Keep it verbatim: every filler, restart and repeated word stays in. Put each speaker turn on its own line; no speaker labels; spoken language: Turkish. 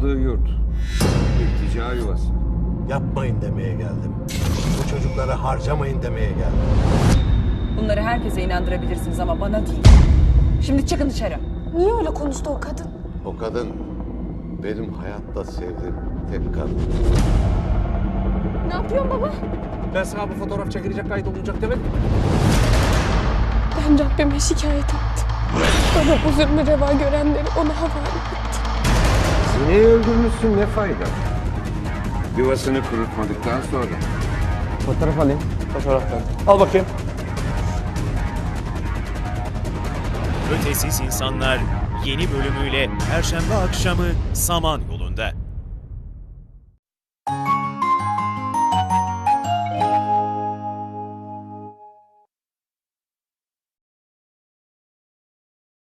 kaldığı yurt. İltica yuvası.
Yapmayın demeye geldim. Bu çocukları harcamayın demeye geldim.
Bunları herkese inandırabilirsiniz ama bana değil. Şimdi çıkın dışarı.
Niye öyle konuştu o kadın?
O kadın benim hayatta sevdiğim tek kadın.
Ne yapıyorsun baba?
Ben sana bu fotoğraf çekilecek, kaydolunacak demedim.
Ben Rabbime şikayet ettim. Bana bu zulmü reva görenleri ona havale etti.
Sineği öldürmüşsün, ne fayda? Yuvasını kurutmadıktan sonra.
Fotoğraf alayım. Fotoğraftan. Al bakayım.
Ötesiz İnsanlar yeni bölümüyle Perşembe akşamı Samanyolu'da.